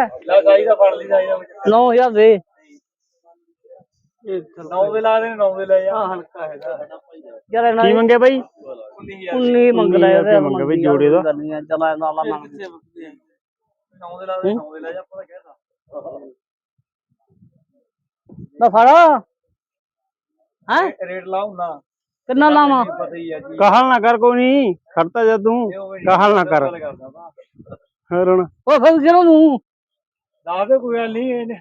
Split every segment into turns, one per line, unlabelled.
ਲੈ ਸਾਈ ਦਾ ਫੜ ਲਈ ਸਾਈ ਦਾ
9000 ਦੇ
9 ਦੇ ਲਾ ਦੇ 9 ਦੇ ਲੈ ਜਾ ਹਲਕਾ ਹੈਗਾ
ਯਾਰ ਇਹਨਾਂ
ਕੀ ਮੰਗਿਆ ਬਾਈ
19 ਮੰਗ ਲਿਆ
ਰੁਪਏ ਮੰਗਿਆ ਬਈ ਜੋੜੇ ਦਾ।
ਚਲਾ ਨਾਲਾ ਮੰਗ
9 ਦੇ ਲਾ ਦੇ 9 ਦੇ ਲੈ ਜਾ ਆਪਾਂ ਤਾਂ ਕਹਿਤਾ
ਨਾ ਫੜ ਹੈ
ਰੇਟ ਲਾਉ ਨਾ
ਕਿੰਨਾ ਲਾਵਾਂ
ਪਤਾ ਹੀ ਆ ਜੀ
ਕਾਹਲ ਨਾ ਕਰ ਕੋਈ ਨਹੀਂ ਖੜਤਾ ਜਾ ਤੂੰ ਕਾਹਲ ਨਾ ਕਰ ਹੋਰ ਹੁਣ
ਉਹ ਫਿਰ ਕਿਹਨੂੰ ਨੂੰ
ਦੱਸ ਦੇ ਕੋਈ ਗੱਲ ਨਹੀਂ ਇਹਨੇ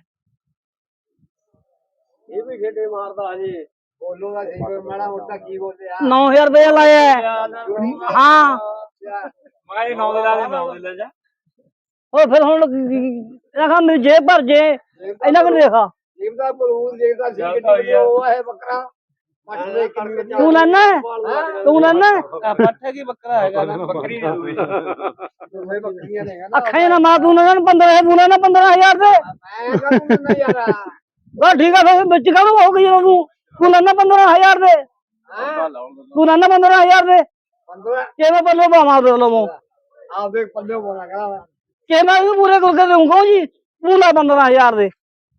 ਇਹ ਵੀ ਖੇਡੇ ਮਾਰਦਾ ਹਜੇ ਬੋਲੂਗਾ ਠੀਕ ਮਾੜਾ ਮੋਟਾ ਕੀ ਬੋਲਦੇ ਆ
9000 ਰੁਪਏ ਲਾਇਆ ਹਾਂ
ਮੈਂ 9 ਦੇ ਲਾ ਦੇ 9 ਦੇ ਲੈ ਜਾ
ਉਹ ਫਿਰ ਹੁਣ ਦੇਖਾ ਮੇਰੀ ਜੇਬ ਭਰ ਜੇ ਇਹਨਾਂ ਕੋਲ ਦੇਖਾ
ਜੀਵ ਦਾ ਬਲੂਨ ਦੇਖਦਾ ਸੀ ਕਿੰਨੀ ਉਹ ਹੈ ਬੱਕਰਾ ਪੱਠ ਦੇ ਕਿੰਨੀ
ਤੂੰ ਲੈਣਾ ਤੂੰ ਲੈਣਾ
ਪੱਠੇ ਕੀ ਬੱਕਰਾ ਹੈਗਾ ਨਾ ਬੱਕਰੀ ਦੇ ਦੂਈ ਦੋਵੇਂ ਬੱਕਰੀਆਂ ਨੇ
ਅੱਖਾਂ ਨਾ ਮਾਂ ਤੂੰ ਨਾ 15 ਤੂੰ ਲੈਣਾ 15000 ਦੇ
ਮੈਂ ਕਹੂੰ ਨਾ ਯਾਰ
ਬਸ ਠੀਕ ਆ ਫਿਰ ਵਿੱਚ ਕਾਹਨੂੰ ਹੋ ਗਈ ਤੂੰ ਲੈਣਾ 15000 ਦੇ ਤੂੰ ਲੈਣਾ 15000 ਦੇ
15
ਕਿਵੇਂ ਪੱਲੇ ਪਾਵਾਂ ਦੇ ਲਵੋ
ਆਪ ਦੇਖ ਪੱਲੇ ਬੋਲਾ ਕਰਾ
ਕਿ ਮੈਂ ਵੀ ਪੂਰੇ ਕਰਕੇ ਦਊਂਗਾ ਜੀ ਤੂੰ ਲੈ 15000 ਦੇ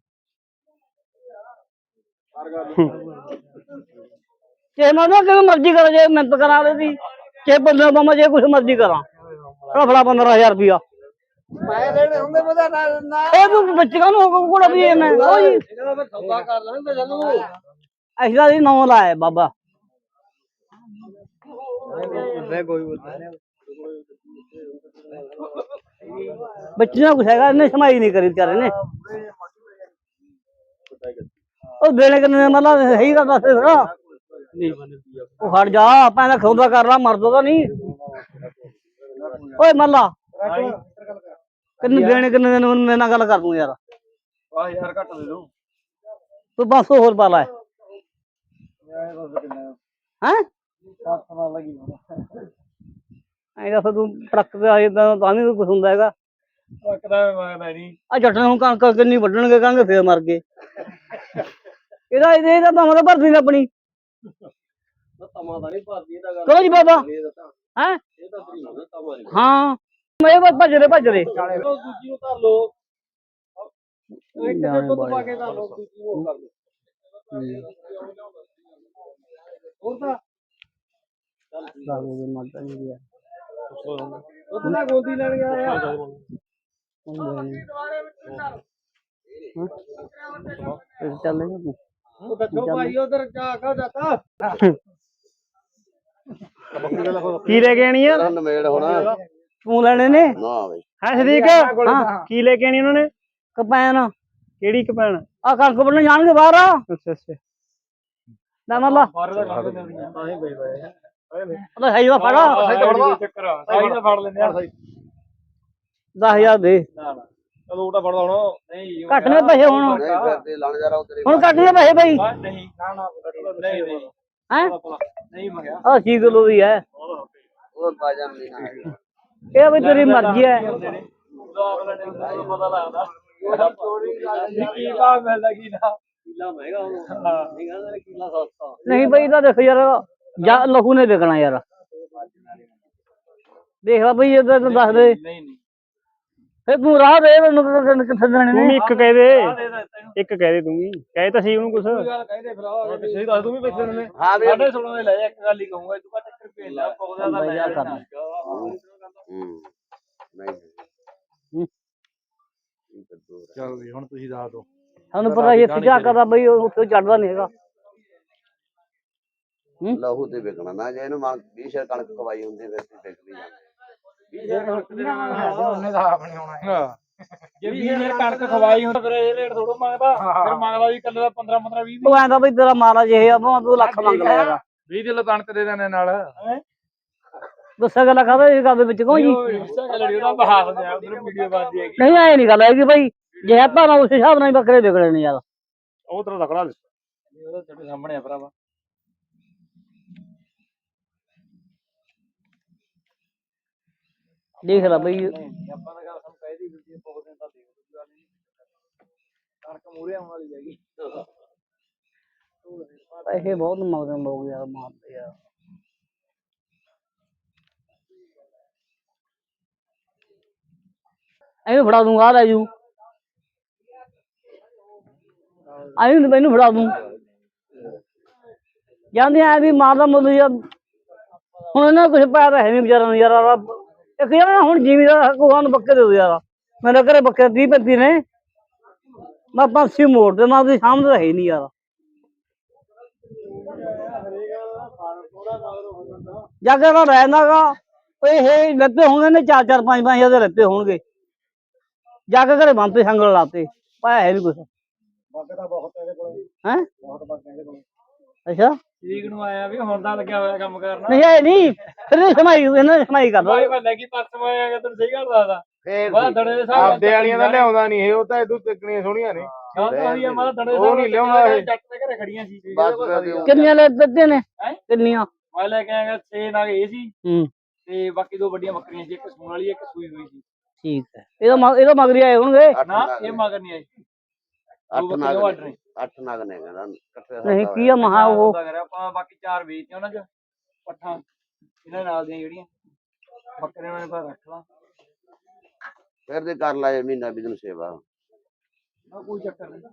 ਜੇ ਮੈਂ ਨਾ ਕਿਵੇਂ ਮਰਜ਼ੀ ਕਰਾਂ ਜੇ ਮਿਹਨਤ ਕਰਾ ਦੇ ਜੇ ਬੰਦੇ ਮਾਮਾ ਜੇ ਕੁਛ ਮਰਜ਼ੀ ਕਰਾਂ ਫੜਾ 15000 ਰੁਪਇਆ
ਮੈਂ ਲੈਣੇ ਹੁੰਦੇ ਪਤਾ ਨਾ
ਇਹ ਤੂੰ ਬੱਚਿਆਂ ਨੂੰ ਕੋੜਾ ਵੀ ਮੈਂ ਉਹ ਜੀ
ਇਹਦਾ ਮੈਂ ਸੌਦਾ ਕਰ ਲੈਂਦਾ ਜਨੂੰ
ਐਸਾ ਦੀ 9 ਲਾਇਆ ਬਾਬਾ ਬੱਚਿਆਂ ਕੁਛ ਹੈਗਾ ਇਹਨੇ ਸਮਾਈ ਨਹੀਂ ਕਰੀ ਵਿਚਾਰੇ ਨੇ ਉਹ ਦੇਣੇ ਕਿੰਨੇ ਮਤਲਬ ਸਹੀ ਗੱਲ ਦੱਸ ਫਿਰ ਉਹ ਹਟ ਜਾ ਪੈਂਦਾ ਖੌਦਾ ਕਰ ਲਾ ਮਰਦਾ ਤਾਂ ਨਹੀਂ ਓਏ ਮੱਲਾ ਕਿੰਨੇ ਦੇਣੇ ਕਿੰਨੇ ਦਿਨ ਮੇਰੇ ਨਾਲ ਗੱਲ ਕਰ ਦੂੰ ਯਾਰ
ਆਹ ਯਾਰ ਘੱਟ ਦੇ ਦੂੰ
ਤੂੰ 500 ਹੋਰ ਪਾ ਲੈ ਹੈਂ ਐਂ ਦੱਸ ਤੂੰ ਟਰੱਕ ਤੇ ਆਏ ਤਾਂ ਵੀ ਕੁਛ ਹੁੰਦਾ ਹੈਗਾ
ਟਰੱਕ ਦਾ ਮੰਗਦਾ ਨਹੀਂ
ਆ ਜੱਟ ਨੂੰ ਕਣਕ ਕਿੰਨੀ ਵੱਢਣਗੇ ਕਹਾਂਗੇ ਫੇਰ ਮਰ ਗਏ ਇਹਦਾ ਤਾਂ ਮਤਲਬ ਭਰਦੀ ਨਾ ਆਪਣੀ
ਤਮਾ ਦਾ ਨਹੀਂ ਭਰਦੀ ਇਹਦਾ ਗੱਲ
ਕਰੋ ਜੀ ਬਾਬਾ ਹੈ
ਇਹ ਤਾਂ ਤਰੀ ਹੁੰਦਾ ਤਮਾ ਨਹੀਂ
ਹਾਂ ਮੈਂ ਭੱਜ ਰਹੇ
ਦੂਜੀ ਨੂੰ ਧਰ ਲੋ ਇੱਕ ਤੇ ਦੁੱਧ ਪਾ ਕੇ ਧਰ ਲੋ ਦੂਜੀ ਨੂੰ ਉਹ ਕਰ ਲੋ ਹੋਰ ਤਾਂ ਉਹ ਤਾਂ ਗੋਦੀ ਲੈਣ ਗਿਆ ਯਾਰ ਉਹ ਦੱਸੋ ਭਾਈ ਉਧਰ ਜਾ ਕੇ ਜਾਤਾ
ਕੀ ਲੈ ਕੇ ਆਣੀ ਆ
ਨਵੇੜ ਹੋਣਾ
ਤੂੰ ਲੈਣੇ ਨੇ
ਨਾ ਬਈ
ਹੈ ਸਦੀਕ ਕੀ ਲੈ ਕੇ ਆਣੀ ਉਹਨਾਂ ਨੇ
ਕਪੈਨ
ਕਿਹੜੀ ਕਪੈਣ
ਆ ਕਣਕ ਵੱਢਣ ਜਾਣਗੇ ਬਾਹਰ
ਅੱਛਾ ਅੱਛਾ
ਲੈ ਮੱਲਾ
ਬਾਹਰ ਦਾ ਕੰਮ ਨਹੀਂ ਤਾਂ ਹੀ ਬਈ ਬਈ
ਉਹਦਾ ਸਹੀ ਦਾ ਫੜਾ
ਚੱਕਰ ਸਾਈ ਦਾ ਫੜ ਲੈਂਦੇ ਆ
10000 ਦੇ
ਚਲੋ ਉਹਦਾ ਫੜਦਾ ਹੁਣ ਨਹੀਂ
ਘੱਟ ਨੇ ਪੈਸੇ ਹੁਣ ਹੁਣ ਘੱਟ ਨੇ ਪੈਸੇ ਬਈ
ਨਹੀਂ ਨਾ ਨਹੀਂ ਨਹੀਂ
ਹੈ
ਨਹੀਂ ਮੰਗਿਆ
ਆ 6 ਕਿਲੋ ਦੀ ਹੈ
ਹੋਰ ਬਾਜਾਂ ਨਹੀਂ
ਇਹ ਵੀ ਤੇਰੀ ਮਰਜ਼ੀ ਹੈ
ਪਤਾ ਲੱਗਦਾ ਕੀ ਭਾਅ ਮਿਲਦਾ ਕੀ ਨਾ ਕਿਲਾ ਮਹਿੰਗਾ ਨਹੀਂ ਕਹਿੰਦਾ ਕਿਲਾ ਸਸਤਾ
ਨਹੀਂ ਬਈ ਤਾਂ ਦੇਖ ਯਾਰ ਜਾਂ ਲਹੂ ਨੇ ਵਿਕਣਾ ਯਾਰ ਦੇਖ ਲੈ ਬਈ ਇਹਦਾ ਤੂੰ ਦੱਸ ਦੇ
ਨਹੀਂ ਨਹੀਂ
ਫੇ ਤੂੰ ਰਾਹ ਦੇ ਮੈਨੂੰ ਕਿੱਥੇ ਦੇਣੇ
ਤੂੰ ਵੀ
ਨੇ
ਇੱਕ ਕਹਿ ਦੇ ਇੱਕ ਕਹਿ ਦੇ ਤੂੰ ਵੀ ਕਹਿ ਤਾਂ ਸਹੀ ਉਹਨੂੰ ਕੁਛ
ਗੱਲ ਕਹਿੰਦੇ ਭਰਾ ਸਹੀ ਦੱਸ ਤੂੰ ਵੀ ਪੈਸੇ ਦੇਣੇ ਸਾਡੇ 16 ਦੇ ਲੈ ਜਾ ਇੱਕ ਗੱਲ ਹੀ ਕਹੂੰਗਾ ਤੂੰ ਘੱਟ ਰੁਪਏ ਲੈ ਪੌਦਾ ਦਾ ਲੈ ਜਾ ਚਲ ਵੀ ਹੁਣ ਤੁਸੀਂ ਦੱਸ ਦੋ
ਸਾਨੂੰ ਪਤਾ ਇਹ ਪਿਆ ਕਰਦਾ ਬਈ ਉੱਥੇ ਚੜਦਾ ਨਹੀਂ ਹੈਗਾ
ਲਹੂ ਤੇ ਵਿਕਣਾ ਨਾ ਜੇ ਇਹਨੂੰ 20 ਸ਼ੇਰ ਕਣਕ ਖਵਾਈ ਹੁੰਦੀ ਫਿਰ ਤੇ ਵਿਕ ਵੀ
ਜੇ 20 ਮਿੰਟ ਕਣਕ ਖਵਾਈ ਹੁੰਦਾ ਫਿਰ ਇਹ ਰੇਟ ਥੋੜਾ ਮੰਗਦਾ ਫਿਰ ਮੰਗਦਾ ਵੀ ਕੱਲੇ ਦਾ 15 15 20
ਉਹ ਐਂਦਾ ਬਈ ਤੇਰਾ ਮਾਲਾ ਜੇ ਆ ਤੂੰ ਲੱਖ ਮੰਗਦਾ ਹੈਗਾ
20 ਕਿਲੋ ਕਣਕ ਦੇ ਦੇਣੇ ਨਾਲ
ਗੁੱਸਾ ਗੱਲਾਂ ਖਾਦਾ ਇਹ ਗੱਲ ਦੇ ਵਿੱਚ ਕਹੋ ਜੀ
ਉਹਦਾ ਬਹਾਸ ਦੇ ਉਧਰ ਵੀਡੀਓ ਬਣਦੀ ਹੈਗੀ
ਨਹੀਂ ਐ ਨਹੀਂ ਗੱਲ ਹੈਗੀ ਬਈ ਜੇ ਆਪਾਂ ਉਸ ਹਿਸਾਬ ਨਾਲ ਬੱਕਰੇ ਵਿਕਣੇ ਨੇ ਯਾਰ
ਉਹ ਤੇਰਾ ਤਕੜਾ
ਉਹਦਾ ਤੁਹਾਡੇ ਸਾਹਮਣੇ ਆ ਭਰਾਵਾ
ਦੇਖ ਲੈ ਬਈ
ਆਪਾਂ ਤਾਂ ਗੱਲ ਸਾਨੂੰ ਕਹਿਦੀ ਵੀਡੀਓ ਬਹੁਤ ਦਿਨ ਤਾਂ ਦੇਖ ਲਓ ਗੱਲ ਨਹੀਂ ਕਣਕ ਮੂਰੇ ਆਉਣ ਵਾਲੀ ਹੈਗੀ
ਪੈਸੇ ਬਹੁਤ ਮੰਗਦੇ ਲੋਕ ਯਾਰ ਮਾਰਦੇ ਯਾਰ ਐਵੇਂ ਫੜਾ ਦੂੰਗਾ ਆ ਲੈ ਜੂ ਆਈ ਮੈਨੂੰ ਫੜਾ ਦੂੰ ਜਾਂਦੇ ਆ ਵੀ ਮਾਰਦਾ ਮੁੱਲ ਯਾਰ ਹੁਣ ਇਹਨਾਂ ਕੁਝ ਪਾਇਆ ਤਾਂ ਹੈ ਨਹੀਂ ਵਿਚਾਰਾ ਨੂੰ ਯਾਰ ਇੱਕ ਯਾਰ ਹੁਣ ਜ਼ਿਮੀਦਾਰ ਕੋਹਾਂ ਨੂੰ ਬੱਕੇ ਦੇ ਦੋ ਯਾਰ ਮੇਰੇ ਘਰੇ ਬੱਕੇ 30-35 ਨੇ ਮੈਂ 500 ਮੋੜ ਤੇ ਮੈਂ ਉਹਦੀ ਸਾਹਮਣੇ ਤਾਂ ਹੈ ਨਹੀਂ ਯਾਰ ਜਾ ਕੇ ਤਾਂ ਰਹਿੰਦਾਗਾ ਇਹ ਲੱਤੇ ਹੋਣਗੇ ਨੇ 4-4 5-5 ਹਜ਼ਾਰ ਦੇ ਲੱਤੇ ਹੋਣਗੇ ਜਾ ਕੇ ਘਰੇ ਬੰਦ ਤੇ ਸੰਗਲ ਲਾਤੇ ਪਾਇਆ ਹੈ ਵੀ ਕੁਛ ਹੈ ਅੱਛਾ
ਠੀਕ ਨੂੰ ਆਇਆ ਵੀ ਹੁਣ ਤਾਂ ਲੱਗਿਆ ਹੋਇਆ ਕੰਮ ਕਰਨਾ
ਨਹੀਂ ਇਹ ਨਹੀਂ ਫਿਰ ਇਹਨਾਂ ਨੇ ਸਮਾਈ ਕਰਦਾ
ਭਾਈ ਬੰਦਾ ਕੀ ਪਰਸ ਆਇਆ ਤੈਨੂੰ ਸਹੀ ਗੱਲ ਦੱਸਦਾ ਬੜਾ ਦੜੇ ਦੇ ਹਿਸਾਬ
ਆਪਦੇ ਵਾਲੀਆਂ ਤਾਂ ਲਿਆਉਂਦਾ ਨਹੀਂ ਇਹ ਉਹ ਤਾਂ ਇਦੋਂ ਤੱਕਣੀਆਂ ਸੋਹਣੀਆਂ ਨੇ
ਹਾਂ ਤਾਂ ਹੋਈ ਆ ਮੈਂ ਦੜੇ ਦੇ
ਉਹ ਨਹੀਂ ਲਿਆਉਂਦਾ ਇਹ।
ਜੱਟ ਦੇ ਘਰੇ ਖੜੀਆਂ ਸੀ
ਕਿੰਨੀਆਂ ਲੈ ਦਿੱਤੇ ਨੇ ਕਿੰਨੀਆਂ
ਮੈਂ ਲੈ ਕੇ ਆਇਆ 6 ਨਾਲ ਇਹ ਸੀ
ਹੂੰ
ਤੇ ਬਾਕੀ 2 ਵੱਡੀਆਂ ਬੱਕਰੀਆਂ ਸੀ ਇੱਕ ਸੂਣ ਵਾਲੀ ਇੱਕ ਸੂਈ ਹੋਈ ਸੀ
ਠੀਕ ਹੈ ਇਹਦਾ ਮਗਰੀ ਆਏ ਹੋਣਗੇ
ਨਾ ਇਹ ਮਗਰ ਨਹੀਂ ਆਈ
8 ਨਾਗ ਨੇ 8 ਨਾਗ ਨੇ ਕਹਿੰਦਾ ਇਕੱਠੇ
ਨਹੀਂ ਕੀ ਆ ਮਹਾ ਉਹ
ਆਪਾਂ ਬਾਕੀ 4 ਵੇਚਦੇ ਉਹਨਾਂ ਚ ਪੱਠਾਂ ਇਹਨਾਂ ਨਾਲ ਦੀਆਂ ਜਿਹੜੀਆਂ ਬੱਕਰੇ ਉਹਨਾਂ ਨੇ ਪਰ ਰੱਖ ਲਾ
ਫਿਰ ਦੇ ਕਰ ਲਾਏ ਮਹੀਨਾ ਬਿਜ਼ਨਸ ਸੇਵਾ
ਕੋਈ ਚੱਕਰ ਨਹੀਂ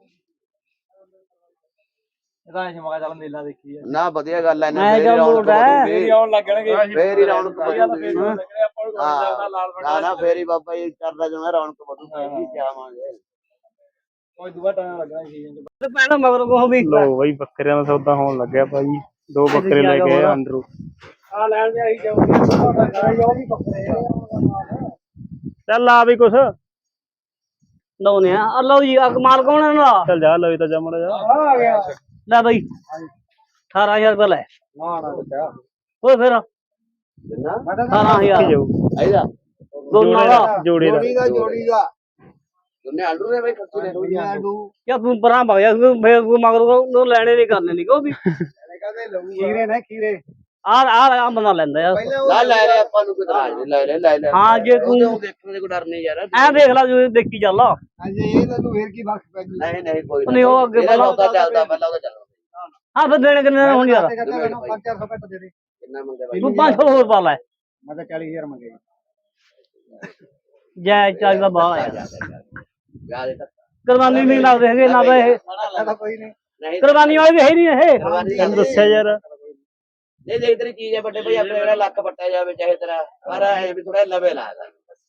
ਇਹਦਾ ਇਹ ਮਗਾ ਚੱਲ ਮੇਲਾ ਦੇਖੀ ਆ
ਨਾ ਵਧੀਆ ਗੱਲ ਐ
ਮੈਂ ਜਾਂ ਲੋਟ ਹੈ
ਫੇਰ ਹੀ ਆਉਣ ਲੱਗਣਗੇ
ਫੇਰ ਹੀ ਰੌਣਕ
ਆਪਾਂ
ਵਧੂਗੀ
ਨੂੰ ਲਾਲ
ਨਾ ਨਾ ਫੇਰ ਹੀ ਬਾਬਾ ਜੀ ਕਰਦਾ ਜਿਵੇਂ ਰੌਣਕ ਵਧੂਗੀ ਕੀ ਆਵਾਂਗੇ
ਕੋਈ ਦੁਆ ਟਾਈਮ ਲੱਗਣਾ ਸੀ
ਪਹਿਲਾਂ ਮਗਰ ਕੋ ਵੀ
ਲੋ ਬਈ ਬੱਕਰਿਆਂ ਦਾ ਸੌਦਾ ਹੋਣ ਲੱਗਿਆ ਭਾਈ 2 ਬੱਕਰੇ ਲੈ ਕੇ ਆਏ ਅੰਦਰੋਂ
ਆ ਲੈਣ ਦੇ ਆਈ ਜਾਊਗੀ ਉਹ ਵੀ ਬੱਕਰੇ
ਚੱਲ ਆ ਵੀ ਕੁਛ
ਲਾਉਨੇ ਆ ਲਓ ਜੀ ਮਾਲ ਕੌਣ ਇਹਨਾਂ ਦਾ
ਚੱਲ ਜਾ ਲਵੇ ਤਾਂ ਜਮੜ ਜਾ
ਆ ਗਿਆ
ਲੈ ਬਈ 18000 ਰੁਪਏ ਲੈ
ਨਾ ਨਾ ਬੱਚਾ
ਹੋਰ ਫਿਰ
ਕਿੰਨਾ
18000
ਜਾਊ
ਆਈਦਾ
ਦੋਨਾਂ ਦਾ
ਜੋੜੇ ਦਾ
ਜੋੜੀ ਦਾ ਤੁਨੇ ਆਲੂ ਨੇ ਬਈ ਕੱਚੇ ਨੇ ਆਲੂ
ਕਿਆ ਤੂੰ ਪਰਾਂ ਭਗ ਜਾ ਫੇਰ ਤੂੰ ਮਗਰ ਕੋ ਲੈਣੇ ਨਹੀਂ ਕਰਨੇ ਨਹੀਂ ਕੋ ਵੀ
ਖੀਰੇ ਨੇ ਖੀਰੇ
ਆ ਬੰਦਾ ਲੈਂਦਾ ਯਾਰ
ਲੈ ਲੈ ਲੈ ਆਪਾਂ ਨੂੰ ਕੋਈ ਇਤਰਾਜ਼ ਨਹੀਂ ਲੈ ਲੈ
ਹਾਂ ਜੇ ਤੂੰ
ਦੇਖਣ ਦੇ ਕੋਈ ਡਰ ਨਹੀਂ ਯਾਰ
ਐ ਦੇਖ ਲੈ ਜੋ ਦੇਖੀ ਚੱਲ
ਹਾਂਜੀ ਇਹ ਤੈਨੂੰ ਫੇਰ ਕੀ ਬਖਸ਼ ਪੈ
ਨਹੀਂ ਨਹੀਂ ਕੋਈ
ਨਹੀਂ ਉਹ ਅੱਗੇ
ਪਹਿਲਾਂ
ਪਹਿਲਾਂ
ਉਹਦਾ ਚੱਲਦਾ ਪਹਿਲਾਂ ਉਹਦਾ ਚੱਲਦਾ
ਹਾਂ ਫਿਰ ਦੇਣੇ ਕਿੰਨੇ ਨੇ ਹੁਣ ਯਾਰ
5-400 ਘੱਟ ਦੇ ਦੇ
ਕਿੰਨਾ ਮੰਗਦੇ ਬਾਈ
ਤੂੰ 500 ਹੋਰ ਪਾ ਲੈ
ਮੈਂ ਤਾਂ 40000 ਮੰਗੇ
ਜੈ ਚਾਹ ਦਾ ਬਾਹਰ ਆ
ਯਾਰ ਇਹ ਤਾਂ
ਕੁਰਬਾਨੀ ਨਹੀਂ ਲੱਗਦੇ ਹੈਗੇ ਨਾ ਤਾਂ ਇਹ
ਸਾਡਾ ਕੋਈ ਨਹੀਂ
ਨਹੀਂ
ਕੁਰਬਾਨੀ ਵਾਲੇ ਵੀ ਹੈ ਹੀ ਨਹੀਂ ਇਹ
ਤੈਨੂੰ ਦੱਸਿਆ ਯਾਰ
ਨਹੀਂ ਦੇਖ ਤੇਰੀ ਚੀਜ਼ ਹੈ ਵੱਡੇ ਭਾਈ ਆਪਣੇ ਜਿਹੜਾ ਲੱਕ ਪੱਟਿਆ ਜਾਵੇ ਚਾਹੇ ਤੇਰਾ ਪਰ ਇਹ ਵੀ ਥੋੜਾ ਲਵੇ ਲਾਦਾ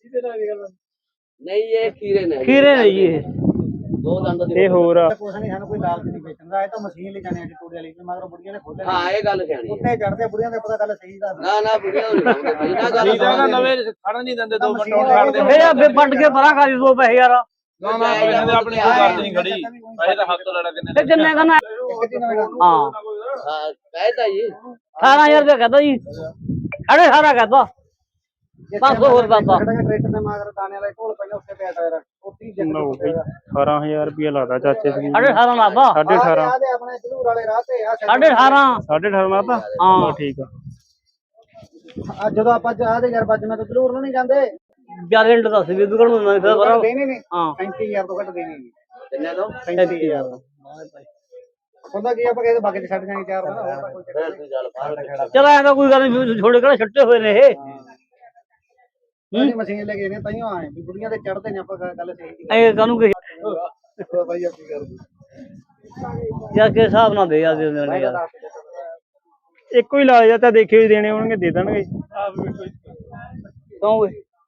ਨਹੀਂ ਇਹ ਖੀਰੇ ਨੇ
ਖੀਰੇ ਨੇ ਜੀ ਇਹ
2 ਦੰਦ ਦੇ
ਇਹ ਹੋਰ ਆ
ਕੁਛ ਨਹੀਂ ਸਾਨੂੰ ਕੋਈ ਲਾਲਚ ਨਹੀਂ ਵੇਚਣ ਦਾ ਇਹ ਤਾਂ ਮਸ਼ੀਨ ਲੈ ਜਾਣੇ ਆ ਟੋੜੇ ਵਾਲੀ ਮਗਰ ਬੁੜੀਆਂ ਨੇ ਖੋਲੇ
ਹਾਂ ਇਹ ਗੱਲ ਸਿਆਣੀ ਹੈ
ਉੱਤੇ ਚੜਦੇ ਬੁੜੀਆਂ ਦੇ ਪਤਾ ਗੱਲ ਸਹੀ ਦਾ
ਨਾ ਨਾ ਬੁੜੀਆਂ ਨਹੀਂ ਲਾਉਂਦੇ ਭਾਈ ਨਾ ਗੱਲ
ਖੜਨ ਨਹੀਂ ਦਿੰਦੇ 2 ਮਿੰਟ
ਇਹ ਆ ਫੇ ਵੱਟ ਕੇ ਪਰਾਂ ਖਾ ਦੀ 2 ਪੈਸੇ ਯਾਰ
ਨਾ ਨਾ ਇਹਨਾਂ ਆਪਣੀ ਕੋਈ ਗੱਲ ਨਹੀਂ ਖੜੀ ਪੈਸੇ ਤਾਂ ਹੱਥ ਤੋਂ ਲੈਣਾ ਕਿੰਨੇ
ਤੇ ਕਿੰਨੇ ਕਹਣਾ ਹਾਂ
ਹਾਂ ਕਹਿਤਾ ਜੀ
18000 ਰੁਪਏ ਕਹਦਾ ਜੀ ਸਾਢੇ 18 ਕਹਦਾ 500 ਹੋਰ ਬਾਬਾ
ਟਰੈਕਟਰ ਦੇ ਮਗਰ ਦਾਣੇ ਵਾਲੇ ਢੋਲ ਪਈਆਂ ਉੱਥੇ ਪਿਆ ਟਾਇਰ ਉੱਤੀ
ਲਓ ਬਈ 18000 ਰੁਪਏ ਲਾਦਾ ਚਾਚੇ ਦੀ
ਸਾਢੇ 18 ਲਾਦਾ
18.5
ਆਪਣੇ ਝਲੂਰ ਵਾਲੇ ਰਾਹ ਤੇ ਆ
ਸਾਢੇ 18
18.5 ਲਾਤਾ
ਹਾਂ
ਠੀਕ ਆ
ਅੱਜ ਜਦੋਂ ਆਪਾਂ ਆ ਦੇ ਯਾਰ ਬੱਜ ਮੈਂ ਤਾਂ ਝਲੂਰ ਨੂੰ ਨਹੀਂ ਜਾਂਦੇ
ਗਾਰੰਟੀ ਦੱਸ ਵੀ ਦੁਕਾਨ ਨੂੰ ਨਾ ਫਿਰ ਬਰਾ
ਦੇਣੇ ਨਹੀਂ
ਹਾਂ
35000 ਤੋਂ ਘੱਟ ਦੇਣੇ ਨਹੀਂ
ਕਿੰਨੇ ਤੋਂ
35000 ਹੁੰਦਾ ਕੀ ਆਪਾਂ ਕਿਸੇ ਬਾਗੇ ਚ ਛੱਡ ਜਾਣੀ ਚਾਰ ਦਾ ਹੋਰ ਤਾਂ ਕੋਈ ਚੱਕਰ
ਫਿਰ ਤੂੰ ਚੱਲ ਬਾਹਰ
ਚਲ ਐ ਤਾਂ ਕੋਈ ਗੱਲ ਨਹੀਂ ਛੋੜੇ ਕਿਹੜਾ ਛੱਟੇ ਹੋਏ ਨੇ ਇਹ
ਨਹੀਂ ਮਸ਼ੀਨ ਲੈ ਕੇ ਨੇ ਤਾਈਓ ਆਏ ਵੀ ਬੁੜੀਆਂ ਤੇ ਚੜਦੇ ਨੇ ਆਪਾਂ ਗੱਲ ਸਹੀ
ਐ ਕਾਨੂੰ ਕਿ
ਬਾਈ ਆਪੀ ਕਰ
ਯਾਰ ਕੇ ਹਿਸਾਬ ਨਾਲ ਦੇ ਯਾਰ ਦੇ ਦੇਣੇ ਯਾਰ
ਇੱਕੋ ਹੀ ਲਾ ਜਾ ਤਾਂ ਦੇਖੇ ਵੀ ਦੇਣੇ ਹੋਣਗੇ ਦੇ ਦੇਣਗੇ
ਕਿਉਂ ਓਏ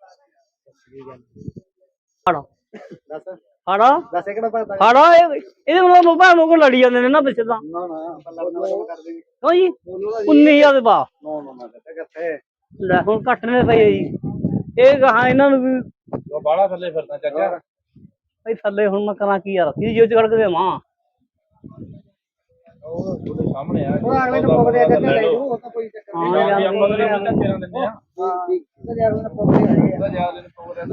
ਫੜਾ
ਦੱਸ
ਫੜਾ
ਦੱਸ ਕਿਹੜਾ ਪਤਾ
ਫੜਾ ਇਹਦੇ ਮਤਲਬ ਮੋਬਾਈਲ ਲੋਕ ਲੜੀ ਜਾਂਦੇ ਨੇ ਨਾ ਪਿੱਛੇ ਤਾਂ
ਨਾ ਨਾ ਪੱਲਾ ਬਣਾ ਕਰ ਦੇਗੀ
ਕਿਉਂ ਜੀ 19000 ਦੇ ਪਾ
ਨਾ ਨਾ ਨਾ ਕਿੱਥੇ
ਲੈ ਹੁਣ ਘੱਟ ਨੇ ਪਈ ਜੀ ਇਹ ਕਹਾ ਇਹਨਾਂ ਨੂੰ ਵੀ
ਉਹ ਬਾਹਲਾ ਥੱਲੇ ਫਿਰਦਾ ਚਾਚਾ
ਭਾਈ ਥੱਲੇ ਹੁਣ ਮੈਂ ਕਰਾਂ ਕੀ ਯਾਰ ਕੀ ਜੋ ਚੜ ਕੇ ਦੇਵਾਂ
ਉਹ ਤੁਹਾਡੇ ਸਾਹਮਣੇ ਆ ਉਹ ਅਗਲੇ ਨੂੰ ਪੋਗਦੇ ਆ ਚਾਚਾ ਲੈ ਜੂ ਉਹ ਤਾਂ ਕੋਈ ਚੱਕਰ
ਹਾਂ
ਨਹੀਂ
ਯਾਰ
ਆਪਾਂ ਅਗਲੇ ਨੂੰ ਤੇਰਾਂ ਦਿੰਦੇ ਆ ਹਾਂ ਯਾਰ ਉਹਨੇ ਪੋਗਦੇ ਆ ਯਾਰ ਉਹਨੇ ਪੋਗਦੇ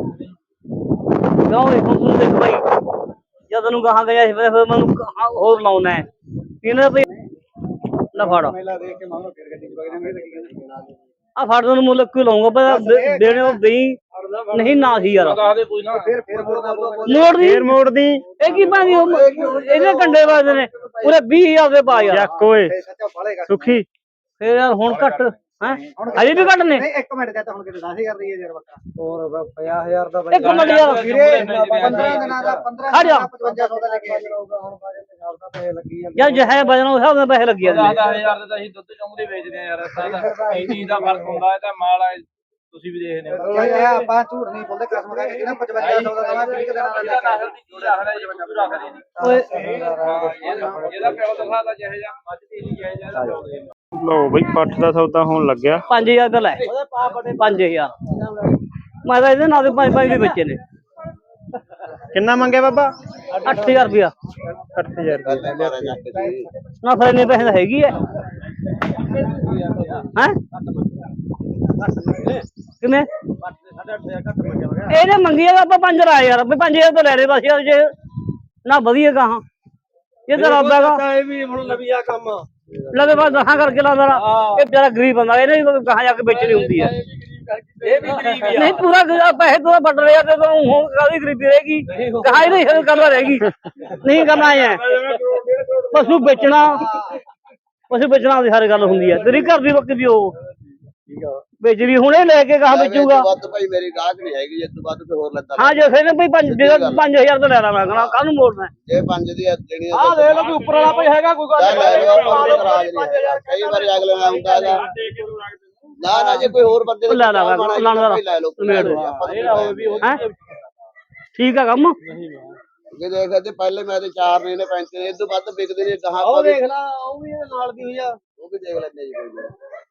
ਕਿਉਂ ਇਹ ਹੁਣ ਤੂੰ ਦੇਖ ਭਾਈ ਜਦ ਨੂੰ ਕਹਾਂ ਗਿਆ ਸੀ ਫਿਰ ਮੈਨੂੰ ਹੋਰ ਲਾਉਣਾ ਹੈ ਇਹਨਾਂ ਭਾਈ ਨਾ ਫੜ
ਮੇਲਾ ਦੇਖ ਕੇ ਮਾਰੋ ਫਿਰ ਗੱਡੀ ਚ ਵਗਣਾ ਮੇਰੇ ਲੱਗੀ
ਆ ਫੜ ਨੂੰ ਮੁੱਲ ਕਿਉਂ ਲਾਉਂਗਾ ਪਰ ਦੇਣੇ ਉਹ ਦੇਈ ਨਹੀਂ ਨਾ ਸੀ ਯਾਰ
ਫਿਰ ਮੋੜਦਾ
ਮੋੜ ਦੀ
ਫੇਰ ਮੋੜ ਦੀ
ਇਹ ਕੀ ਪਾਣੀ ਇਹਦੇ ਕੰਡੇ ਵੱਜਦੇ ਨੇ ਪੂਰੇ 20000 ਦੇ ਪਾ ਯਾਰ
ਜੱਕ ਓਏ
ਸੱਚਾ ਫਾਲੇਗਾ
ਸੁਖੀ
ਫੇਰ ਯਾਰ ਹੁਣ ਘੱਟ ਹੈ ਅਜੇ ਵੀ ਘੱਟ ਨੇ
ਨਹੀਂ ਇੱਕ ਮਿੰਟ ਦਾ ਤਾਂ ਹੁਣ ਕਿਤੇ 10,000 ਦੀ ਹੈ ਯਾਰ ਬੱਕਰਾ ਹੋਰ 50,000 ਦਾ
ਇੱਕ ਮਿੰਟ ਯਾਰ
ਵੀਰੇ 15 ਦਿਨਾਂ ਦਾ 15
ਖੜ ਜਾ
5500 ਦਾ ਲੈ ਕੇ ਆਊਗਾ ਹੁਣ ਬਾਜੇ ਦੇ ਹਿਸਾਬ ਦਾ ਪੈਸੇ ਲੱਗੀ ਜਾਂਦੇ
ਯਾਰ ਜਿਹੇ ਵਜਨ ਉਸ ਹਿਸਾਬ ਨਾਲ ਪੈਸੇ ਲੱਗੀ ਜਾਂਦੇ ਨੇ
10,000 ਦੇ ਤਾਂ ਅਸੀਂ ਦੁੱਧ ਚੁੰਗਦੇ ਵੇਚਦੇ ਆ ਯਾਰ ਸਾਡਾ ਇਹ ਚੀਜ਼ ਦਾ ਫਰਕ ਹੁੰਦਾ ਹੈ ਤਾਂ ਮਾਲ ਆ ਤੁਸੀਂ ਵੀ ਦੇਖਦੇ ਹੋ
ਚਾਹੇ ਆਪਾਂ ਝੂਠ ਨਹੀਂ ਬੋਲਦੇ ਕਸਮ ਖਾ ਕੇ ਇਹਨਾਂ 5500 ਦਾ ਦਵਾ 20 ਦਿਨਾਂ ਦਾ
ਇਹਦਾ ਨਸਲ ਦੀ ਚੀਜ਼ ਰੱਖਦਾ ਜੀ ਬੱਚੂ ਰੱਖਦੇ ਨਹੀਂ
ਓਏ
ਇਹਦਾ ਪਿਓ ਦਿਖਾਦਾ ਜਿਹੇ ਜਾਂ ਮੱਝ ਦੀ ਨਹੀਂ ਜਿਹੇ ਜਾਂ ਪਿਓ ਦੇ
ਲਓ ਬਈ ਪੱਠ ਦਾ ਸੌਦਾ ਹੋਣ ਲੱਗਿਆ
5000 ਦਾ ਲੈ 5000 ਮੈਂ ਤਾਂ ਇਹਦੇ ਨਾਲ ਦੇ 5 ਵੀ ਬੱਚੇ ਨੇ
ਕਿੰਨਾ ਮੰਗਿਆ ਬਾਬਾ
8000 ਰੁਪਇਆ
8000
ਨਾ ਫਿਰ ਇੰਨੇ ਪੈਸੇ ਤਾਂ ਹੈਗੀ ਐ ਹੈ ਕਿਵੇਂ ਇਹਨੇ ਮੰਗੀ ਆ ਆਪਾਂ 5 ਰਾ ਯਾਰ 5000 ਤੋਂ ਲੈ ਲੈ ਬਸ ਯਾਰ ਜੇ ਨਾ ਵਧੀਆ ਕਹਾਂ ਇਹ ਤਾਂ ਰੱਬਦਾ
ਇਹ ਵੀ ਹੁਣ ਲਵੀਆ ਕੰਮ
ਲਵੇ ਬਸ ਦਸਾਂ ਕਰਕੇ ਲਾਦਾ ਇਹ ਵਿਚਾਰਾ ਗਰੀਬ ਬੰਦਾ ਇਹਨੇ ਕਹਾਂ ਜਾ ਕੇ ਵੇਚਣੀ ਹੁੰਦੀ ਹੈ
ਇਹ ਵੀ ਗਰੀਬ ਹੀ
ਨਹੀਂ ਪੂਰਾ ਪੈਸੇ ਤੋਂ ਵੱਢ ਰਿਹਾ ਤੇ ਤੂੰ ਹੁਣ ਕਾਹਦੀ ਗਰੀਬੀ ਰਹੇਗੀ ਕਹਾਂ ਹੀ ਨਹੀਂ ਕਰਨਾ ਰਹੇਗੀ ਨਹੀਂ ਕਰਨਾ ਹੈ ਪਸ਼ੂ ਵੇਚਣਾ ਦੀ ਹਰ ਗੱਲ ਹੁੰਦੀ ਹੈ ਤੇਰੀ ਘਰ ਦੀ ਵਕਤ ਵੀ ਉਹ ਵੇਚਦੀ ਹੁਣੇ ਲੈ ਕੇ ਕਹਾਂ ਵੇਚੂਗਾ
ਵੱਧ ਭਾਈ ਮੇਰੀ ਗਾਹਕ ਨਹੀਂ ਹੈਗੀ ਇਸ ਤੋਂ ਵੱਧ ਤੇ ਹੋਰ ਲੈਂਦਾ
ਹਾਂ ਜੇ ਫਿਰ ਭਈ 5000 ਤੋਂ ਲੈ ਲਾ ਮੈਂ ਕਹਣਾ ਕੱਲ ਨੂੰ ਮੋੜਨਾ
ਜੇ 5 ਦੀ ਦੇਣੀ
ਆਹ ਦੇਖ ਲਓ ਵੀ ਉੱਪਰ ਵਾਲਾ ਕੋਈ ਹੈਗਾ ਕੋਈ ਗੱਲ
ਲੈ ਲਓ ਆਪਾਂ ਨੂੰ ਨਾਰਾਜ਼ ਨਹੀਂ ਹੈਗਾ। ਕਈ ਵਾਰੀ ਅਗਲੇ ਨਾਲ ਹੁੰਦਾ ਹੈਗਾ ਨਾ ਜੇ ਕੋਈ ਹੋਰ ਬੰਦੇ
ਲੈ ਲਾ
ਲੈ ਲਓ
ਹੈ ਠੀਕ ਆ ਕੰਮ
ਜੇ ਦੇਖਦੇ ਤੇ ਪਹਿਲੇ ਮੈਂ ਤੇ 4 ਨੇ 5 ਨੇ ਇਸ ਤੋਂ ਵੱਧ ਵਿਕਦੇ ਨੇ ਕਹਾਂ
ਉਹ ਦੇਖ ਲੈ ਉਹ ਵੀ ਇਹਦੇ ਨਾਲ ਦੀ ਹੋਈ ਆ
ਉਹ ਵੀ ਦੇਖ ਲੈਂਦੇ ਜੀ ਕੋਈ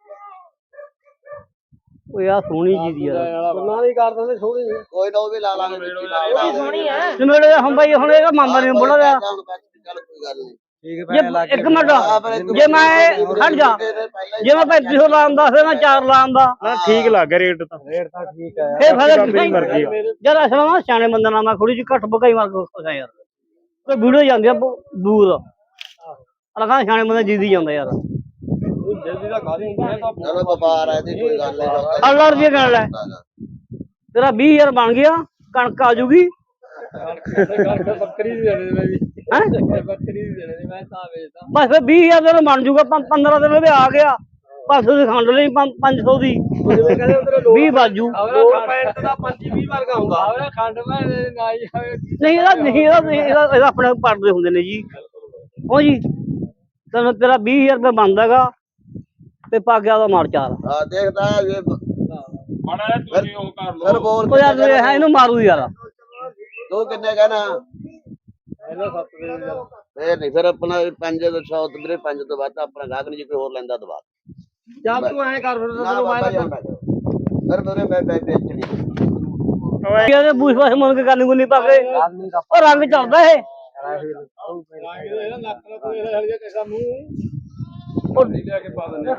ਉਹ ਯਾਰ ਸੋਹਣੀ ਜੀ ਦੀ ਯਾਰ
ਬੰਨਾ ਨਹੀਂ ਕਰ ਦਿੰਦੇ ਥੋੜੀ
ਕੋਈ ਨਾ ਉਹ ਵੀ ਲਾ ਲਾਂਗੇ ਵਿੱਚ ਹੀ ਲਾ ਲਾਂਗੇ
ਸੋਹਣੀ ਹੈ
ਨਿਮੇੜੇ ਹੁਣ ਬਾਈ ਹੁਣ ਇਹਦਾ ਮਾਮਾ ਨਹੀਂ ਬੋਲਾ ਰਿਹਾ
ਚੱਲ ਕੋਈ ਗੱਲ ਨਹੀਂ
ਠੀਕ
ਜੇ ਇੱਕ ਮਿੰਟ ਜੇ ਮੈਂ ਹਟ ਜਾ ਜੇ ਮੈਂ 3500 ਲਾਉਂਦਾ ਫਿਰ ਮੈਂ 4 ਲਾਉਂਦਾ
ਨਾ ਠੀਕ ਲੱਗ ਗਿਆ ਰੇਟ ਤਾਂ
ਫੇਰ ਤਾਂ ਠੀਕ ਹੈ
ਫੇਰ ਫਾਇਦਾ
ਆਪਣੀ ਮਰਜ਼ੀ ਆ।
ਯਾਰ ਅਸਲ ਨਾ ਸਿਆਣੇ ਬੰਦੇ ਨਾਲ ਮੈਂ ਥੋੜੀ ਜਿਹੀ ਘੱਟ ਬਗਾਈ ਮਾਰ ਕੇ ਖੁਸ਼ ਆ ਯਾਰ ਕੋਈ ਵੀਡੀਓ ਜਾਂਦੀ ਆ ਦੂਰ ਅਲਗਾ ਸਿਆਣੇ ਬੰਦੇ ਜਿੱਦੀ ਜਾਂਦਾ ਯਾਰ
ਜਲਦੀ ਦਾ ਖਾ ਦੇ
ਚਲੋ ਵਪਾਰ ਹੈ ਤੇ ਕੋਈ ਗੱਲ ਨਹੀਂ
ਅੱਲਾ ਰੁਪਏ ਕਰ ਲੈ ਤੇਰਾ 20000 ਬਣ ਗਿਆ ਕਣਕ ਆ ਜੂਗੀ
ਬੱਕਰੀ ਦੀ ਦੇਣੇ ਮੈਂ ਵੀ
ਹੈ
ਬੱਕਰੀ ਦੀ ਦੇਣੇ ਮੈਂ ਤਾਂ ਵੇਚਦਾ
ਬਸ ਫਿਰ 20000 ਦਾ ਬਣ ਜੂਗਾ 15 ਦਿਨ ਉਹਦੇ ਆ ਗਿਆ 500 ਦੀ ਖੰਡ ਲਈ 500 ਦੀ
ਜਿਵੇਂ ਕਹਿੰਦੇ ਉਧਰ
20 ਬਾਜੂ
ਲੋਕ ਪੈਂਟ ਦਾ 25-20 ਵਰਗਾ ਹੁੰਦਾ ਆਵੇ ਖੰਡ ਮੈਂ ਨਾ ਹੀ ਆਵੇ
ਨਹੀਂ ਇਹਦਾ ਆਪਣੇ ਪੜਦੇ ਹੁੰਦੇ ਨੇ ਜੀ ਉਹ ਜੀ ਤੈਨੂੰ ਤੇਰਾ 20000 ਰੁਪਏ ਬਣਦਾਗਾ ਤੇ ਪਾ ਗਿਆ ਦਾ ਮਾਰ ਚਾਰ
ਹਾਂ ਦੇਖਦਾ ਇਹ
ਮਾੜਾ ਜਿਹਾ ਤੁਸੀਂ ਉਹ ਕਰ ਲਓ
ਫਿਰ ਬੋਲ
ਉਹ ਯਾਰ ਹੈ ਇਹਨੂੰ ਮਾਰੂ ਯਾਰ
ਤੂੰ ਕਿੰਨੇ ਕਹਿਣਾ
ਇਹਦਾ 7 ਦੇ ਯਾਰ
ਫੇਰ ਨਹੀਂ ਫਿਰ ਆਪਣਾ 5 ਤੋਂ 100 ਤੋਂ ਵੀਰੇ 5 ਤੋਂ ਵੱਧ ਆਪਣਾ ਗਾਹਕ ਨਹੀਂ ਜੇ ਕੋਈ ਹੋਰ ਲੈਂਦਾ ਦਵਾ
ਚੱਲ ਤੂੰ ਐਂ ਕਰ ਫਿਰ
ਨਾ
ਤੈਨੂੰ
ਬਾਬਾ ਜੀ
ਮੈਂ
ਫਿਰ ਮੇਰੇ ਮੈਂ ਵੇਚਣੀ
ਇਹਦੇ ਬੂਸ ਬਾਸ ਮੁੰਨ ਕੇ ਕਰਨੀ ਗੁੰਨੀ ਪਾ ਕੇ ਉਹ ਰੰਗ ਚੜਦਾ ਇਹ
ਇਹਦਾ ਨੱਕ ਦਾ ਕੋਈ ਹਲ ਜਾ ਕਿਸਾ ਮੂੰਹ
ਉਹ
ਲੈ ਕੇ ਪਾ ਦਿੰਦੇ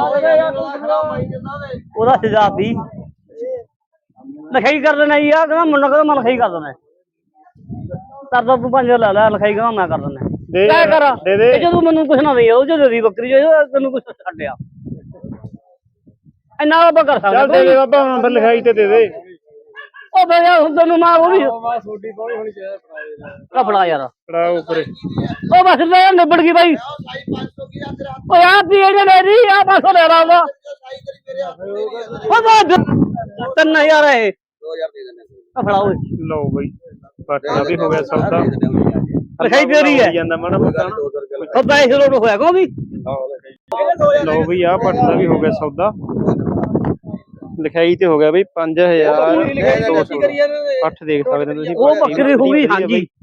ਉਹਦਾ ਸਜ਼ਾ ਦੀ ਲਿਖਾਈ ਕਰ ਦੇਣਾ ਜੀ ਆ ਕਹਿੰਦਾ ਮੁੰਡਾ ਕਹਿੰਦਾ ਮੈਂ ਲਿਖਾਈ ਕਰ ਦੇਣਾ ਕਰਦਾ ਤੂੰ 5 ਲੈ ਲੈ ਲਿਖਾਈ ਕਹਿੰਦਾ ਮੈਂ ਕਰ ਦੇਣਾ
ਦੇ
ਲੈ ਕਰ
ਦੇ ਦੇ
ਇਹ ਜਦੋਂ ਮੈਨੂੰ ਕੁਛ ਨਾ ਦੇ ਉਹ ਜਦੋਂ ਦੀ ਬੱਕਰੀ ਜੋ ਤੈਨੂੰ ਕੁਛ ਛੱਡਿਆ ਇੰਨਾ ਆਪਾਂ ਕਰ
ਚੱਲ ਦੇ
ਸਕਦੇ
ਦੇ ਬਾਬਾ ਹੁਣ ਫਿਰ ਲਿਖਾਈ ਤੇ ਦੇ ਦੇ
ਉਹ ਬਈ ਯਾਰ ਹੁਣ ਤੈਨੂੰ ਮਾਰ ਉਹ ਵੀ
ਮੈਂ ਛੋਟੀ ਕੋਲ ਹੋਣੀ ਚਾਹੀਦਾ
ਕਪੜਾ ਯਾਰ
ਫੜਾ ਉੱਪਰੇ
ਉਹ ਬਸ ਲੈ ਨਿਬੜ ਗਈ ਬਾਈ ਓ ਯਾਰ ਦੀ ਇਹਨੇ ਲੈ ਰਹੀ ਆ 500 ਲੈ ਲਾ ਉਹਦਾ ਉਹ 3000 ਹੈ
2000 ਦੇ ਦਿੰਦੇ
ਕਪੜਾ ਓਏ
ਲਓ ਬਈ ਪੱਠ ਦਾ ਵੀ ਹੋ ਗਿਆ ਸੌਦਾ
ਲਿਖਾਈ ਤੇਰੀ ਹੈ
ਜਾਂਦਾ ਮਾੜਾ ਮੋਟਾ ਨਾ।
ਉਹ ਪੈਸੇ ਲੋਡ ਹੋਇਆ ਕੋ ਵੀ
ਲਓ ਬਈ ਆ ਪੱਠ ਦਾ ਵੀ ਹੋ ਗਿਆ ਸੌਦਾ ਲਿਖਾਈ ਤੇ ਹੋ ਗਿਆ ਬਈ 5200 ਪੱਠ ਦੇਖ ਸਕਦੇ ਹੋ ਤੁਸੀਂ
ਉਹ ਬੱਕਰੀ ਹੋ ਗਈ ਹਾਂਜੀ